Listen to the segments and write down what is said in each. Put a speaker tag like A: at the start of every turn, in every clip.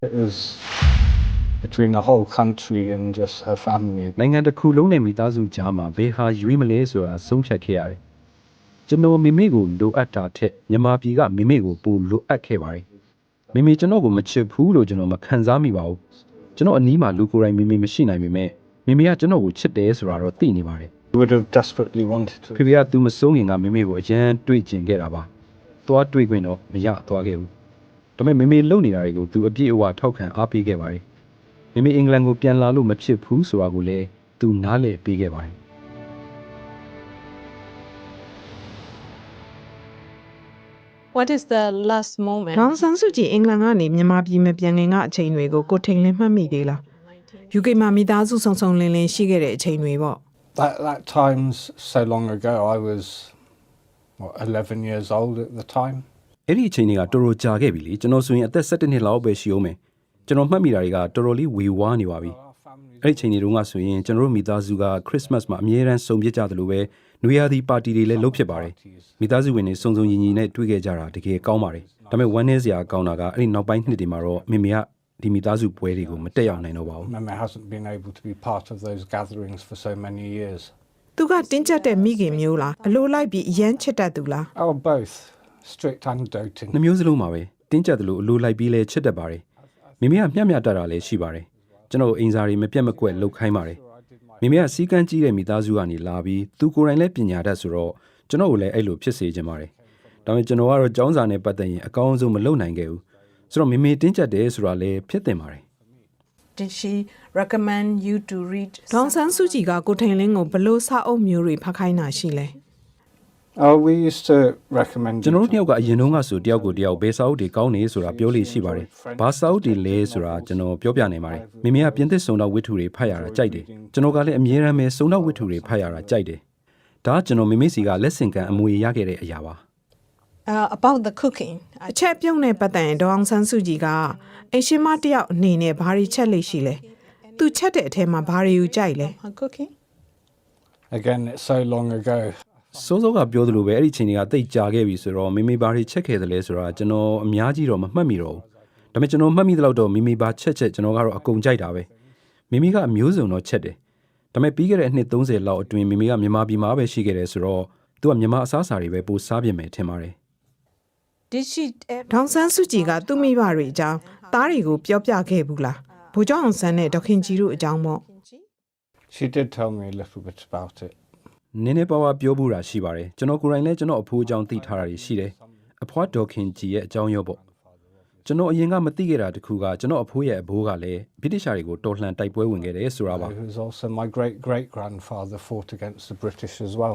A: It was between the whole country and just her family.
B: နိုင်ငံတစ်ခုလုံးနဲ့မိသားစုကြားမှာဘယ်ဟာရွေးမလဲဆိုတာဆုံးဖြတ်ခဲ့ရတယ်ကျွန်တော်မိမိကိုလိုအပ်တာထက်မြန်မာပြည်ကမိမိကိုပိုလိုအပ်ခဲ့ပါတယ်မိမိကျွန်တော်ကိုမချစ်ဘူးလို့ကျွန်တော်မခံစားမိပါဘူးကျွန်တော်အနီးမှာလူကိုယ်တိုင်မိမိမရှိနိုင်ပေမဲ့မိမိကကျွန်တော်ကိုချစ်တယ်ဆိုတာတော့သိနေပါတယ်
A: We would have desperately wanted to.
B: ဖေဖေကသူမစိုးခင်ကမိမိကိုအရန်တွေ့ကျင်ခဲ့တာပါသွားတွေ့ခွင့်တော့မရသွားခဲ့ဘူးဒါပေမဲ့မိမိလုံနေတာတွေကိုသူအပြည့်အဝထောက်ခံအားပေးခဲ့ပါတယ်မိမိအင်္ဂလန်ကိုပြန်လာလို့မဖြစ်ဘူးဆိုတာကိုလည်းသူနားလည်ပေးခဲ့ပါတယ်
C: What is the last moment?
D: ဒေါန်ဆန်းစုကြည်အင်္ဂလန်ကနေမြန်မာပြည်မပြန်ခင်ကအချိန်တွေကိုကိုထိန်လင်းမှတ်မိသေးလား UK မှာမိသားစုဆုံဆုံလင်းလင်းရှိခဲ့တဲ့အချိန်တွေပေါ့
A: That time's so long ago. I was 11 years old at the time.
B: အဲ့ဒီအချိန်တွေကတော်တော်ကြာခဲ့ပြီလေကျွန်တော်ဆိုရင်အသက်17နှစ်လောက်ပဲရှိအောင်မယ်ကျွန်တော်မှတ်မိတာတွေကတော်တော်လေးဝေဝါးနေပါပြီအဲ့ဒီအချိန်တွေတုန်းကဆိုရင်ကျွန်တော်တို့မိသားစုကခရစ်စမတ်မှာအမြဲတမ်းစုံပြစ်ကြတယ်လို့ပဲနွေရာသီပါတီတွေလည်းလုပ်ဖြစ်ပါတယ်မိသားစုဝင်တွေစုံစုံညီညီနဲ့တွေ့ခဲ့ကြတာတကယ်ကောင်းပါတယ်ဒါပေမဲ့ဝမ်းနည်းစရာကောင်းတာကအဲ့ဒီနောက်ပိုင်းနှစ်တွေမှာတော့မိမိကဒီမိသားစုပွဲတွေကိုမတက်ရောက်နိုင်တော့ပါဘူး
A: Mama hasn't been able to be part of those gatherings for so many years.
D: သူကတင်းကျပ်တဲ့မိခင်မျိုးလားအလိုလိုက်ပြီးအရန်ချစ်တတ်သူလား
A: Oh, both. Strict and doting.
B: နှမျိုးစလုံးပါပဲတင်းကျပ်တယ်လို့အလိုလိုက်ပြီးလဲချစ်တတ်ပါတယ်မိမိကမျှမျှတတာလည်းရှိပါတယ်ကျွန်တော်အင်စာတွေမပြတ်မကွက်လှုပ်ခိုင်းပါတယ်မိမိကစီကန်းကြီးတဲ့မိသားစုကနေလာပြီးသူကိုယ်တိုင်လည်းပညာတတ်ဆိုတော့ကျွန်တော်ကိုလည်းအဲ့လိုဖြစ်စေချင်ပါတယ်ဒါပေမဲ့ကျွန်တော်ကတော့ကျောင်းစာနဲ့ပတ်သက်ရင်အကောင်းဆုံးမလုပ်နိုင်ခဲ့ဘူးဆိုတော့မိမိတင်းကျပ်တယ်ဆိုတာလည်းဖြစ်တင်ပါတယ်
C: Did she recommend you to read?
D: ဒေါန်ဆန်းစုကြည်ကကိုထိန်လင်းကိုဘလို့စာအုပ်မျိုးတွေဖတ်ခိုင်းတာရှိလဲ
A: Oh, we used to recommend.
B: ကျွန်တော်တို့တယောက်ကအရင်တုန်းကဆိုတယောက်ကိုတယောက်ဘယ်စာအုပ်တွေကောင်းနေဆိုတာပြောလို့ရှိပါတယ်ဘာစာအုပ်တွေလဲဆိုတာကျွန်တော်ပြောပြနိုင်ပါတယ်မိမိကပြင်သစ်စုံတော့ဝတ္ထုတွေဖတ်ရတာကြိုက်တယ်ကျွန်တော်ကလည်းအမြဲတမ်းပဲစုံတော့ဝတ္ထုတွေဖတ်ရတာကြိုက်တယ်ဒါကကျွန်တော်မိမိစီကလက်ဆင့်ကမ်းအမွေရခဲ့တဲ့အရာပါ
C: About the cooking.
D: အချက်ပြုံးနဲ့ပတ်သက်ရင်ဒေါန်ဆန်းစုကြည်ကအရှင်မတယောက်အနေနဲ့ဘာတွေချက်လိမ့်ရှိလဲသူချက်တဲ့အထဲမှာဘာတွေကိုကြိုက်လဲ
C: Her cooking?
A: Again, it's so long ago.
B: စိုးစိုးကပြောသလိုပဲအဲ့ဒီချိန်တွေကတိတ်ကြာခဲ့ပြီဆိုတော့မိမိဘာတွေချက်ခဲ့သလဲဆိုတာကျွန်တော်အများကြီးတော့မမှတ်မိတော့ဘူးဒါပေမဲ့ကျွန်တော်မှတ်မိသလောက်တော့မိမိဘာချက်ကျွန်တော်ကတော့အကုန်ကြိုက်တာပဲမိမိကအမျိုးစုံတော့ချက်တယ်ဒါပေမဲ့ပြီးခဲ့တဲ့အနှစ်30လောက်အတွင်းမိမိကမြန်မာပြည်မှာပဲရှိခဲ့တယ်ဆိုတော့သူကမြန်မာအစားအစာတွေပဲပိုစားပြင်မယ်ထင်ပါတယ်
C: Did she?
D: ဒေါန်ဆန်းစုကြည်ကသူ့မိဘတွေအကြောင်းသားတွေကိုပြောပြခဲ့ဘူးလားဗိုလ်ချုပ်အောင်ဆန်းနဲ့ဒေါခင်ကြီးတို့အကြောင်းပေါ့
A: She did tell me a little bit about it.
B: နည်းနည်းပါးပါးပြောဖို့တာရှိပါတယ်ကျွန်တော်ကိုယ်တိုင်လည်းကျွန်တော်အဖိုးအကြောင်းသိထားတာတွေရှိတယ်အဖွားဒေါခင်ကြီးရဲ့အကြောင်းရောပေါ့ကျွန်တော်အရင်ကမသိခဲ့တာတခုကကျွန်တော်အဖိုးရဲ့အဘိုးကလည်းဗြိတိရှာတွေကိုတော်လှန်တိုက်ပွဲဝင်ခဲ့တယ်ဆိုတာပါ
A: Who was also my great grandfather fought against the British as well.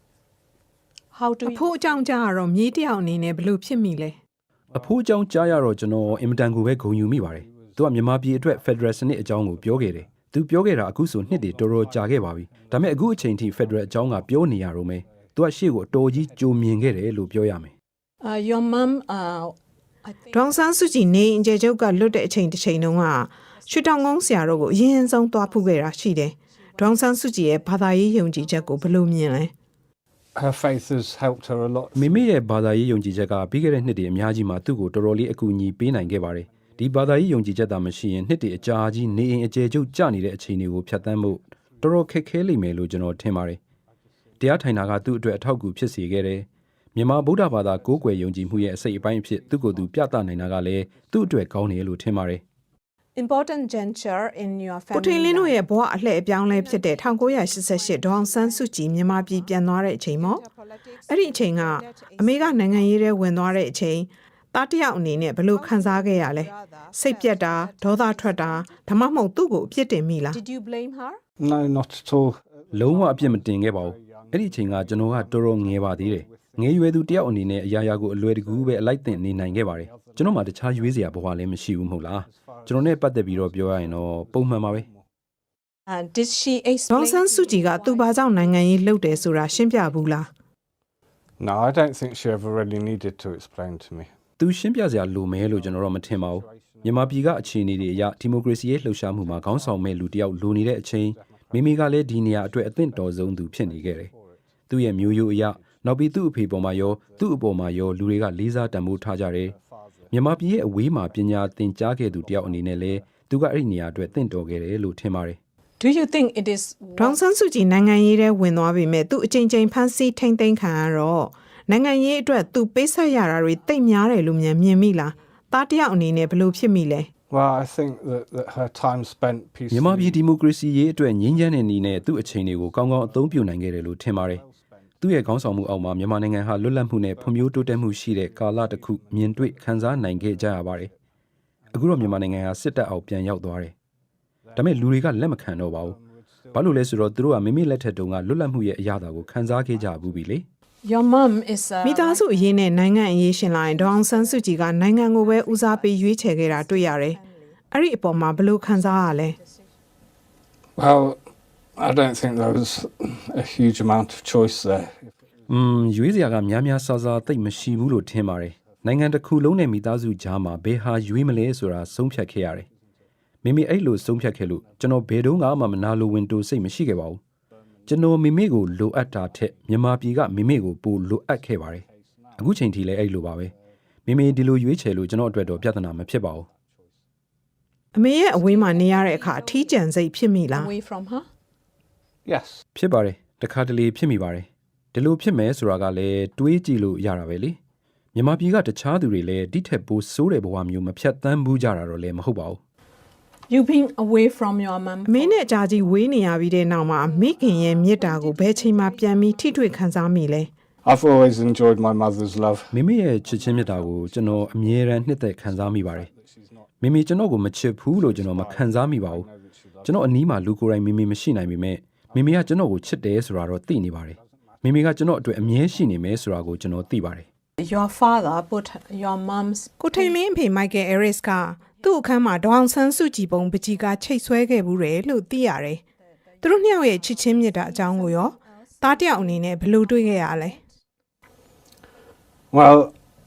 C: How do
D: အ
C: you?
D: ဖိုးအကြောင်းကြားတော့မြေးတယောက်အနေနဲ့ဘလို့ဖြစ်မိလဲ
B: အဖိုးအကြောင်းကြားရတော့ကျွန်တော်အင်မတန်ကိုပဲဂုဏ်ယူမိပါတယ်သူကမြန်မာပြည်အတွက် Federal စနစ်အကြောင်းကိုပြောခဲ့တယ်သူပြောခဲ့တာအခုဆိုနှစ်တွေတော်တော်ကြာခဲ့ပါပြီဒါပေမဲ့အခုအချိန်ထိ Federal အကြောင်းကပြောနေရတော့မယ်သူကရှေ့ကိုအတော်ကြီးကြိုမြင်ခဲ့တယ်လို့ပြောရမယ်
C: Your mom. I think
D: ဒေါန်ဆန်းစုကြည်နေအင်ဂျယ်ချုပ်ကလွတ်တဲ့အချိန်တစ်ချိန်တုန်းကရွှေတောင်ကုန်းဆရာတို့ကိုအရင်ဆုံးသွားဖူးခဲ့တာရှိတယ်ဒေါန်ဆန်းစုကြည်ရဲ့ဘာသာရေးယုံကြည်ချက်ကိုဘလို့မြင်လဲ
A: Her faith has helped her a lot.
B: မိမိရဲ့ဘာသာရေးယုံကြည်ချက်ကပြီးခဲ့တဲ့နှစ်တွေအများကြီးမှာသူ့ကိုတော်တော်လေးအကူအညီပေးနိုင်ခဲ့ပါတယ်ဒီဘာသာရေးယုံကြည်ချက်သာမရှိရင်နှစ်တွေအကြာကြီးနေအိမ်အကျယ်ချုပ်ကျနေတဲ့အချိန်တွေကိုဖြတ်သန်းဖို့တော်တော်ခက်ခဲလိမ့်မယ်လို့ကျွန်တော်ထင်ပါတယ်တရားထိုင်တာကသူ့အတွက်အထောက်အကူဖြစ်စေခဲ့တယ်မြန်မာဗုဒ္ဓဘာသာကိုးကွယ်ယုံကြည်မှုရဲ့အစိတ်အပိုင်းအဖြစ်သူ့ကိုယ်သူပြသနိုင်တာကလည်းသူ့အတွက်ကောင်းတယ်လို့ထင်ပါတယ်
C: important juncture in your
D: ကို
C: family.
D: ထိန်လင်းတို့ရဲ့ဘဝအလှည့်အပြောင်းလဲဖြစ်တဲ့1988ဒေါန်ဆန်းစုကြည်မြန်မာပြည်ပြန်သွားတဲ့အချိန်ပေါ့အဲ့ဒီအချိန်ကအမေကနိုင်ငံရေးထဲဝင်သွားတဲ့အချိန်သားတစ်ယောက်အနေနဲ့ဘလို့ခံစားခဲ့ရလဲစိတ်ပြက်တာဒေါသထွက်တာဒါမှမဟုတ်သူ့ကိုအပြစ်တင်မိလား
C: Did you blame her?
A: No, not at all.
B: လုံးဝအပြစ်မတင်ခဲ့ပါဘူးအဲ့ဒီအချိန်ကကျွန်တော်ကတော်တော်ငယ်ပါသေးတယ်ငယ်ရွယ်သူတယောက်အနေနဲ့အရာရာကိုအလွယ်တကူပဲအလိုက်တင်နေနိုင်ခဲ့ပါတယ်ကျွန်တော်မှတခြားရွေးစရာဘဝလည်းမရှိဘူးမဟုတ်လားကျွန်တော်နဲ့ပတ်သက်ပြီးတော့ပြောရရင်တော့ပုံမှန်ပါပဲ
C: Did she
D: ဒေါ
C: explain?
D: န်ဆန်းစုကြည်ကသူ့ဘာကြောင့်နိုင်ငံရေးလှုပ်တယ်ဆိုတာရှင်းပြဘူးလား
A: No, I don't think she ever really needed to explain to me.
B: သူရှင်းပြစရာလိုမဲလို့ကျွန်တော်တော့မထင်ပါဘူးမြန်မာပြည်ကအခြေအနေတွေအရဒီမိုကရေစီရဲ့လှုပ်ရှားမှုမှာခေါင်းဆောင်မဲ့လူတယောက်လိုနေတဲ့အချိန်မိမိကလည်းဒီနေရာအတွက်အသင့်တော်ဆုံးသူဖြစ်နေခဲ့တယ်သူ့ရဲ့မျိုးရိုးအရနောက်ပြီးသူ့အဖေပေါ်မှာရောသူ့အပေါ်မှာရောလူတွေကလေးစားတန်ဖိုးထားကြတယ်မြန်မာပြည်ရဲ့အဝေးမှာပညာသင်ကြားခဲ့သူတယောက်အနေနဲ့လည်းသူကအဲ့ဒီနေရာအတွက်တင့်တော်ခဲ့တယ်လို့ထင်ပါတယ်
C: Do you think it is
D: ဒေါန်ဆန်းစုကြည်နိုင်ငံရေးထဲဝင်သွားပြီမဲ့သူအချိန်ချင်းဖမ်းဆီးထိမ့်သိမ်းခံရတော့နိုင်ငံရေးအတွက်သူပေးဆက်ရတာတွေတိတ်များတယ်လို့မြင်မိလားတားတယောက်အနေနဲ့ဘယ်လိုဖြစ်မိလဲ
A: Well, I think that her time spent
B: မြန်မာ
A: peacefully.
B: ပြည်ဒီမိုကရေစီရေးအတွက်ငြင်းချမ်းတဲ့နေနဲ့သူ့အချိန်တွေကိုကောင်းကောင်းအသုံးပြုနိုင်ခဲ့တယ်လို့ထင်ပါတယ်သူ့ရဲ့ခေါင်းဆောင်မှုအောက်မှာမြန်မာနိုင်ငံဟာလွတ်လပ်မှုနဲ့ဖွံ့ဖြိုးတိုးတက်မှုရှိတဲ့ကာလတစ်ခုမြင်တွေ့ခန်းစားနိုင်ခဲ့ကြရပါတယ်အခုတော့မြန်မာနိုင်ငံဟာစစ်တပ်အောက်ပြန်ရောက်သွားတယ်ဒါပေမဲ့လူတွေကလက်မခံတော့ပါဘူးဘာလို့လဲဆိုတော့သူတို့ကမိမိလက်ထက်တုန်းကလွတ်လပ်မှုရဲ့အရာတာကိုခန်းစားခဲ့ကြဘူးပြီလေ
C: your mom is
D: မိသားစုအရေးနဲ့နိုင်ငံအရေးရှင်လာရင်ဒေါအောင်ဆန်းစုကြည်ကနိုင်ငံကိုပဲဦးစားပေးရွေးချယ်ခဲ့တာတွေ့ရတယ်အဲ့ဒီအပေါ်မှာဘယ်လိုခံစားရလဲ
A: Well, I don't think there was a huge amount of choice there.
B: ရွေးစရာကများများဆဆသိပ်မရှိဘူးလို့ထင်ပါတယ်နိုင်ငံတစ်ခုလုံးနဲ့မိသားစုကြားမှာဘယ်ဟာရွေးမလဲဆိုတာဆုံးဖြတ်ခဲ့ရတယ်မိမိအဲ့လိုဆုံးဖြတ်ခဲ့လို့ကျွန်တော်ဘယ်တော့မှမနာလိုဝင်တိုးစိတ်မရှိခဲ့ပါဘူးကျွန်တော်မိမိကိုလိုအပ်တာထက်မြန်မာပြည်ကမိမိကိုပိုလိုအပ်ခဲ့ပါတယ်အခုချိန်ထိလည်းအဲ့လိုပါပဲမိမိဒီလိုရွေးချယ်လို့ကျွန်တော်အတွက်တော့ပြဿနာမဖြစ်ပါဘူး
D: အမေရဲ့အဝေးမှာနေရတဲ့အခါအထီးကျန်စိတ်ဖြစ်မိလား
C: away from her
A: Yes.
B: ဖြစ်ပါတယ်တခါတလေဖြစ်မိပါတယ်ဒီလိုဖြစ်မယ်ဆိုတာကလည်းတွေးကြည့်လို့ရတာပဲလေမြန်မာပြည်ကတခြားသူတွေလည်းဒီထက်ပိုဆိုးတဲ့ဘဝမျိုးမဖြတ်သန်းဘူးကြတာတော့လည်းမဟုတ်ပါဘူး
C: you being away from your mom
D: အမေနဲ့အကြာကြီးဝေးနေရပြီးတဲ့နောက်မှာမိခင်ရဲ့မြစ်တာကိုဘယ်ချိန်မှပြန်ပြီးထိတွေ့ခံစားမိလဲ
A: I've always enjoyed my mother's love.
B: မိမိရဲ့ချစ်ချင်းမြတ်တာကိုကျွန်တော်အမြဲတမ်းနှစ်သက်ခံစားမိပါတယ်မိမိကျွန်တော်ကိုမချစ်ဘူးလို့ကျွန်တော်မခံစားမိပါဘူးကျွန်တော်အနီးမှာလူကိုယ်တိုင်မိမိမရှိနိုင်ပေမဲ့မိမိကကျွန်တော်ကိုချစ်တယ်ဆိုတာတော့သိနေပါတယ်မိမိကကျွန်တော်အတွက်အမြဲရှိနေမယ်ဆိုတာကိုကျွန်တော်သိပါတယ်
C: your father put your mom's
D: ကိုထိန်လင်းအဖေမိုက်ကယ်အဲရစ်ကသူ့အခန်းမှာဒေါအောင်ဆန်းစုကြည်ပုံပကြီးကချိတ်ဆွဲခဲ့ဘူးတယ်လို့သိရတယ်သူတို့နှစ်ယောက်ရဲ့ချစ်ချင်းမြတ်တာအကြောင်းကိုရောတားတယောက်အနေနဲ့ဘယ်လိုတွေးခဲ့ရလဲ
A: Well,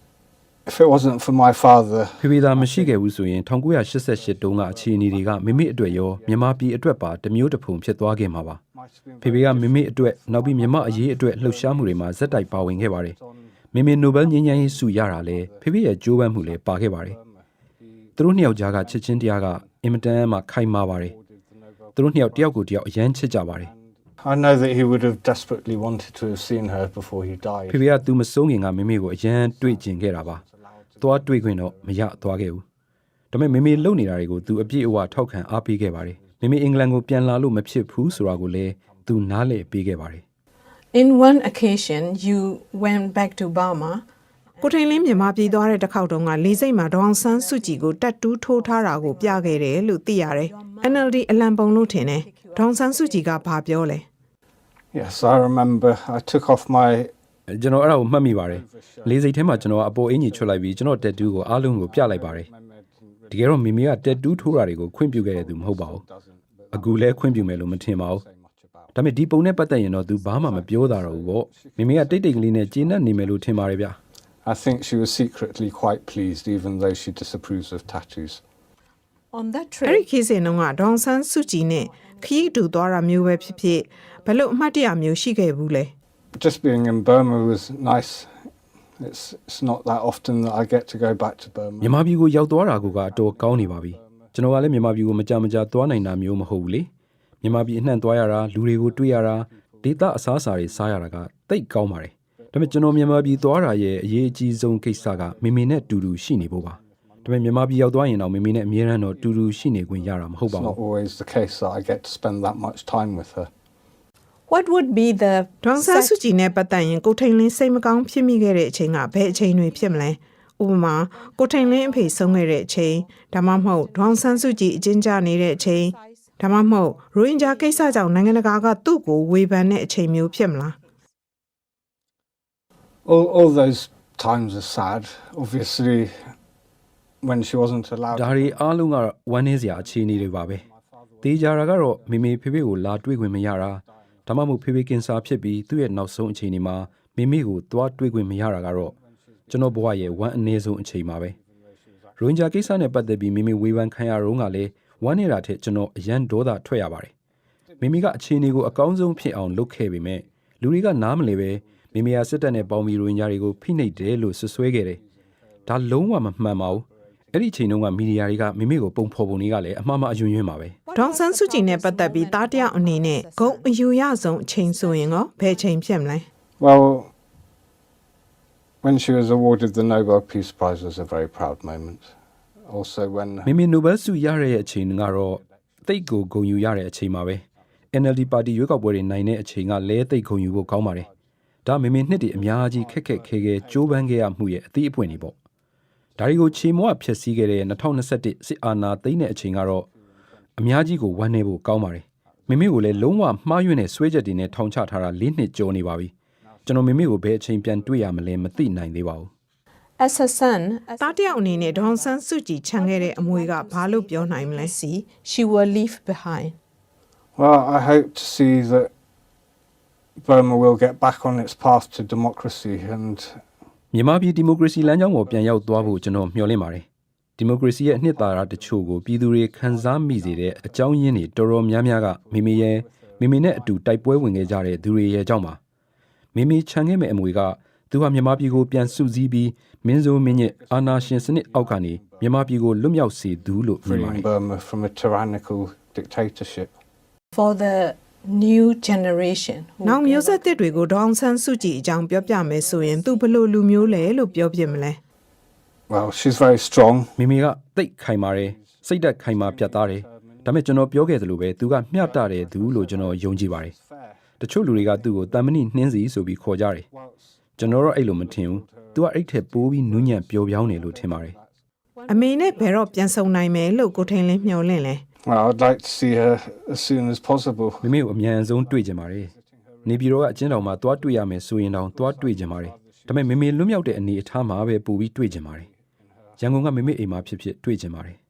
A: if it wasn't for my father,
B: ဖေဖေသာမရှိခဲ့ဘူးဆိုရင်1988တုန်းကအခြေအနေတွေကမိမိအတွက်ရောမြန်မာပြည်အတွက်ပါတစ်မျိုးတစ်ဖုံဖြစ်သွားခဲ့မှာပါဖေဖေကမိမိအတွက်နောက်ပြီးမြန်မာအရေးအတွက်လှုပ်ရှားမှုတွေမှာဇက်တိုက်ပါဝင်ခဲ့ပါတယ်မိမိနိုဘယ်ငြိမ်းချမ်းရေးဆုရတာလဲဖေဖေရဲ့ကြိုးပမ်းမှုလည်းပါခဲ့ပါတယ်သူတို့နှစ်ယောက်ကြားကချစ်ချင်းတရားကအင်မတန်မှခိုင်မာပါတယ်သူတို့နှစ်ယောက်တယောက်ကိုတယောက်အရန်ချစ်ကြပါတယ်
A: I know that he would have desperately wanted to have seen her before he died.
B: ဖေဖေကသူမဆုံးခင်ကမိမိကိုအရန်တွေ့ကျင်ခဲ့တာပါသွားတွေ့ခွင့်တော့မရသွားခဲ့ဘူးဒါပေမဲ့မိမိလုံနေတာတွေကိုသူအပြည့်အဝထောက်ခံအားပေးခဲ့ပါတယ်မိမိအင်္ဂလန်ကိုပြန်လာလို့မဖြစ်ဘူးဆိုတာကိုလည်းသူနားလည်ပေးခဲ့ပါတယ်
C: in one occasion you went back to Burma
D: ကိုထိန်လင်းမြန်မာပြည်သွားတဲ့တစ်ခေါက်တုန်းကလေးစိတ်မှာဒေါအောင်ဆန်းစုကြည်ကိုတက်တူးထိုးထားတာကိုပြခဲ့တယ်လို့သိရတယ် NLD အလံပုံလို့ထင်တယ်ဒေါအောင်ဆန်းစုကြည်ကဘာပြောလဲ
A: Yes, I remember. I took off my
B: ကျွန်တော်အဲ့ဒါကိုမှတ်မိပါတယ်လေးစိတ်ထဲမှာကျွန်တော်အပေါ်အင်ကြီးချွတ်လိုက်ပြီးကျွန်တော်တက်တူးကိုအားလုံးကိုပြလိုက်ပါတယ်တကယ်တော့မိမိကတက်တူးထိုးတာတွေကိုခွင့်ပြုခဲ့တဲ့သူမဟုတ်ပါဘူးအခုလည်းခွင့်ပြုမယ်လို့မထင်ပါဘူးဒါပေမဲ့ဒီပုံနဲ့ပတ်သက်ရင်တော့သူဘာမှမပြောတာတော့ဘူးပေါ့မိမိကတိတ်တိတ်ကလေးနဲ့ကျေနပ်နေမယ်လို့ထင်ပါတယ်ဗျ
A: I think she was secretly quite pleased, even though she disapproves of tattoos.
C: on that
D: အဲ့ဒီ
C: trip
D: ခေတ်စဉ်တုန်းကဒေါအောင်ဆန်းစုကြည်နဲ့ခရီးတူသွားတာမျိုးပဲဖြစ်ဖြစ်ဘလို့အမှတ်တရမျိုးရှိခဲ့ဘူးလဲ
A: Just being in Burma was nice. It's not that often that I get to go back to Burma.
B: မြန်မာပြည်ကိုရောက်သွားတာကအတော်ကောင်းနေပါပြီကျွန်တော်ကလည်းမြန်မာပြည်ကိုမကြသွားနိုင်တာမျိုးမဟုတ်ဘူးလေမြန်မာပြည်အနှံ့သွားရတာလူတွေကိုတွေ့ရတာဒေသအစားအစာတွေစားရတာကတိတ်ကောင်းပါတယ်ဒါပေမဲ့ကျွန်တော်မြန်မာပြည်သွားတာရဲ့အရေးအကြီးဆုံးကိစ္စကမိမိနဲ့တူတူရှိနေဖို့ပါဒါပေမဲ့မြန်မာပြည်ရောက်သွားရင်တော့မိမိနဲ့အမြဲတမ်းတော့တူတူရှိနေခွင့်ရတာမဟုတ်
A: It's
B: ပါဘူး
A: not always the case that I get to spend that much time with her.
C: what would be the
D: ဒေါအောင်ဆန်းစုကြည်နဲ့ပတ်သက်ရင်ကိုထိန်လင်းစိတ်မကောင်းဖြစ်မိခဲ့တဲ့အချိန်ကဘယ်အချိန်တွေဖြစ်မလဲဥပမာကိုထိန်လင်းအဖေဆုံးခဲ့တဲ့အချိန်ဒါမှမဟုတ်ဒေါအောင်ဆန်းစုကြည်အကျဉ်းချနေတဲ့အချိန်ဒါမှမဟုတ်ရိုဟင်ဂျာကိစ္စကြောင့်နိုင်ငံတကာကသူ့ကိုဝေဖန်တဲ့အချိန်မျိုးဖြစ်မလား
A: All those times are sad. Obviously, when she wasn't allowed.
B: ဒါတွေအားလုံးကဝမ်းနည်းစရာအခြေအနေတွေပါပဲတေးကြတာကတော့မိမိဖေဖေကိုလာတွေ့ခွင့်မရတာဒါမှမဟုတ်ဖေဖေကင်ဆာဖြစ်ပြီးသူ့ရဲ့နောက်ဆုံးအခြေအနေမှာမိမိကိုသွားတွေ့ခွင့်မရတာကတော့ကျွန်တော်ဘဝရဲ့ဝမ်းအနည်းဆုံးအချိန်ပါပဲရိုဟင်ဂျာကိစ္စနဲ့ပတ်သက်ပြီးမိမိဝေဖန်ခံရတော့ကလည်းဝမ်းနေတာထက်ကျွန်တော်အရန်ဒေါသထွက်ရပါတယ်မိမိကအခြေအနေကိုအကောင်းဆုံးဖြစ်အောင်လုပ်ခဲ့ပေမဲ့လူတွေကနားမလဲပဲမိမိကစစ်တပ်နဲ့ပေါင်းပြီးရိုဟင်ဂျာတွေကိုဖိနှိပ်တယ်လို့ဆွဆွဲခဲ့တယ်ဒါလုံးဝမမှန်ပါဘူးအဲ့ဒီချိန်တုန်းကမီဒီယာတွေကမိမိကိုပုံဖော်ပုံတွေကလည်းအမှားအယွင်းယွင်းပါပဲ
D: ဒေါန်ဆန်းစုကြည်နဲ့ပတ်သက်ပြီးသားတယောက်အနေနဲ့ဂုဏ်အယူရဆုံးအချိန်ဆိုရင်ရောဘယ်ချိန်ဖြစ်မလဲ
A: Well, when she was awarded the Nobel Peace Prize was a very proud moment. Also when
B: မိမိနိုဘယ်ဆုရတဲ့အချိန်ကတော့သိတ်ကိုဂုဏ်ယူရတဲ့အချိန်ပါပဲ NLD ပါတီရွေးကောက်ပွဲတွေနိုင်တဲ့အချိန်ကလဲသိတ်ဂုဏ်ယူဖို့ကောင်းပါတယ်ဒါမိမိနှစ်တည်းအများကြီးခက်ခက်ခဲခဲကြိုးပမ်းခဲ့ရမှုရဲ့အသီးအပွင့်တွေပေါ့ဒါတွေကိုချေမွဖျက်ဆီးခဲ့တဲ့2021စစ်အာဏာသိမ်းတဲ့အချိန်ကတော့အများကြီးကိုဝမ်းနည်းဖို့ကောင်းပါတယ်မိမိကိုလည်းလုံးဝမှားယွင်းတဲ့ဆွဲချက်တွေနဲ့ထောင်ချထားတာ4နှစ်ကျော်နေပါပြီကျွန်တော်မိမိကိုဘယ်အချိန်ပြန်တွေ့ရမလဲမသိနိုင်သေးပါဘူး
C: As a son,
D: သားတယောက်အနေနဲ့ဒေါန်ဆန်းစုကြည်ခြံခဲ့တဲ့အမွေကဘာလို့ပြောနိုင်မလဲ
C: see, she will leave behind.
A: well, I hope to see that Burma will get back on its path to democracy and
B: မြန်မာပြည်ဒီမိုကရေစီလမ်းကြောင်းပေါ်ပြန်ရောက်သွားဖို့ကျွန်တော်မျှော်လင့်ပါတယ်ဒီမိုကရေစီရဲ့အနှစ်သာရတချို့ကိုပြည်သူတွေခံစားမိစေတဲ့အကြောင်းရင်းတွေတော်တော်များများကမိမိနဲ့အတူတိုက်ပွဲဝင်ခဲ့ကြတဲ့သူတွေရဲ့အကြောင်းပါမိခြံခဲ့မဲ့အမွေကသူဟာမြန်မာပြည်ကိုပြန်စုစည်းပြီးမင်းဆိုးမင်းညစ်အာဏာရှင်စနစ်အောက်ကနေမြန်မာပြည်ကိုလွတ်မြောက်စေသူလို့မြင်ပါတယ်
A: freeing Burma from a tyrannical dictatorship.
C: For the new generation. who
D: နောက်မျိုးဆက်သစ်တွေကိုဒေါန်ဆန်းစုကြည်အကြောင်းပြောပြမယ်ဆိုရင်သူဘယ်လိုလူမျိုးလဲလို့ပြောပြမလဲ
A: Well, she's very strong.
B: မိကတိတ်ခိုင်ပါတယ်စိတ်ဓာတ်ခိုင်မာပြတ်သားတယ်ဒါပေမဲ့ကျွန်တော်ပြောခဲ့သလိုပဲသူကမျှတတဲ့သူလို့ကျွန်တော်ယုံကြည်ပါတယ်တချို့လူတွေကသူ့ကိုတန်မဏိနှင်းစီဆိုပြီးခေါ်ကြတယ်ကျွန်တော်တော့အဲ့လိုမထင်ဘူးသူကအဲ့ထက်ပိုးပြီးနူးညံ့ပျော်ပြောင်းနေလို့ထင်ပါတယ်
D: အမေနဲ့ဘယ်တော့ပြန်ဆုံနိုင်မယ်လို့ကိုထိန်လင်းမျှော်လင့်လဲ
A: Well, I'd like to see her as soon as possible.
B: မိကိုအမြန်ဆုံးတွေ့ကြပါတယ်နေပြည်တော်ကအကျဉ်းတော်မှာသွားတွေ့ရမယ်ဆိုရင်တောင်သွားတွေ့ကြပါတယ်ဒါပေမဲ့မိလွတ်မြောက်တဲ့အနေအထားမှာပဲပို့ပြီးတွေ့ကြပါတယ်ရန်ကုန်ကမိအိမ်မှာဖြစ်တွေ့ကြပါတယ်